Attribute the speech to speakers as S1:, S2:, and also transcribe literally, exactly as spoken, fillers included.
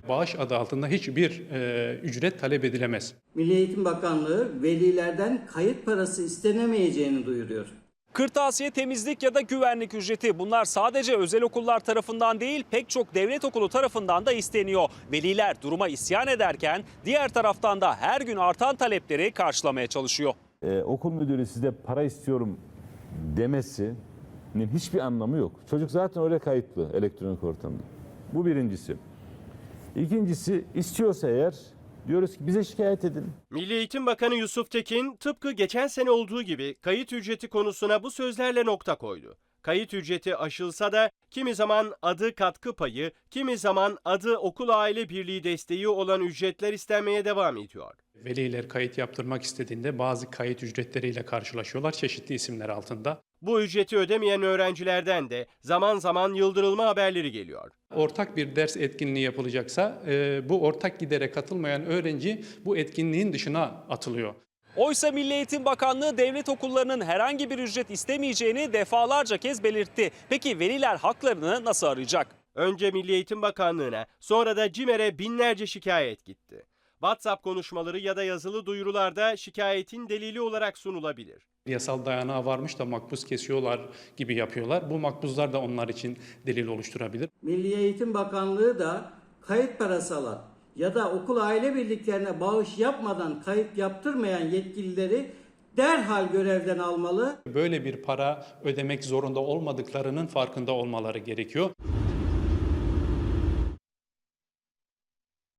S1: Bağış adı altında hiçbir e, ücret talep edilemez.
S2: Milli Eğitim Bakanlığı velilerden kayıt parası istenemeyeceğini duyuruyor.
S3: Kırtasiye, temizlik ya da güvenlik ücreti, bunlar sadece özel okullar tarafından değil pek çok devlet okulu tarafından da isteniyor. Veliler duruma isyan ederken diğer taraftan da her gün artan talepleri karşılamaya çalışıyor.
S4: Ee, okul müdürü size para istiyorum demesinin hiçbir anlamı yok. Çocuk zaten oraya kayıtlı elektronik ortamda. Bu birincisi. İkincisi, istiyorsa eğer diyoruz ki bize şikayet edin.
S5: Milli Eğitim Bakanı Yusuf Tekin tıpkı geçen sene olduğu gibi kayıt ücreti konusuna bu sözlerle nokta koydu. Kayıt ücreti aşılsa da kimi zaman adı katkı payı, kimi zaman adı okul aile birliği desteği olan ücretler istenmeye devam ediyor.
S1: Veliler kayıt yaptırmak istediğinde bazı kayıt ücretleriyle karşılaşıyorlar çeşitli isimler altında.
S5: Bu ücreti ödemeyen öğrencilerden de zaman zaman yıldırılma haberleri geliyor.
S1: Ortak bir ders etkinliği yapılacaksa e, bu ortak gidere katılmayan öğrenci bu etkinliğin dışına atılıyor.
S3: Oysa Milli Eğitim Bakanlığı devlet okullarının herhangi bir ücret istemeyeceğini defalarca kez belirtti. Peki veliler haklarını nasıl arayacak?
S5: Önce Milli Eğitim Bakanlığı'na, sonra da CİMER'e binlerce şikayet gitti. WhatsApp konuşmaları ya da yazılı duyurularda şikayetin delili olarak sunulabilir.
S1: Yasal dayanağı varmış da makbuz kesiyorlar gibi yapıyorlar. Bu makbuzlar da onlar için delil oluşturabilir.
S2: Milli Eğitim Bakanlığı da kayıt parası alan ya da okul aile birliklerine bağış yapmadan kayıt yaptırmayan yetkilileri derhal görevden almalı.
S1: Böyle bir para ödemek zorunda olmadıklarının farkında olmaları gerekiyor.